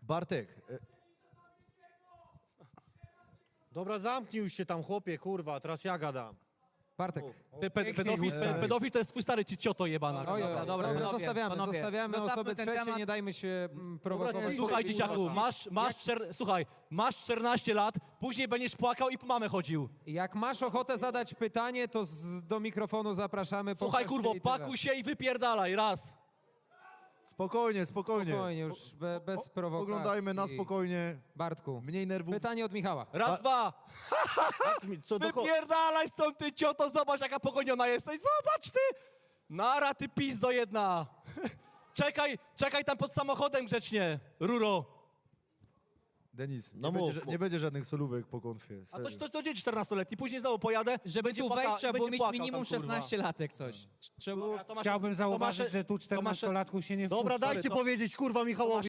Bartek, Dobra, zamknij już się tam, chłopie, kurwa, teraz ja gadam. Bartek. Ty pedofil to jest twój stary cioto jebana. Oj, dobra, panowie, zostawiamy zostawmy osoby ten trzecie, temat. nie dajmy się prowokować. Słuchaj, dzieciaku, masz 14 lat, później będziesz płakał i po mamę chodził. Jak masz ochotę zadać pytanie, to do mikrofonu zapraszamy. Słuchaj, pokaż kurwo, się i tyle. pakuj się i wypierdalaj, raz. spokojnie. Spokojnie, już bez prowokacji. Oglądajmy na spokojnie, Bartku, mniej nerwów. pytanie od Michała. Raz, dwa. Co do Wypierdalaj stąd, ty cioto, zobacz jaka pogoniona jesteś, zobacz ty. Nara, ty pizdo jedna. Czekaj tam pod samochodem grzecznie, ruro. Denis, No nie będzie żadnych solówek po konfie. A serio. to dzieci 14-letni, później znowu pojadę. Żeby będzie tu płaka- wejść, trzeba było będzie mieć płakał minimum tam, kurwa. 16 lat, jak coś. Trzeba było... Dobra, to masz- Chciałbym to zauważyć, masz- że tu to masz- 14-latków się nie Dobra, wpuszcza. dajcie to- powiedzieć, kurwa, Michałowi.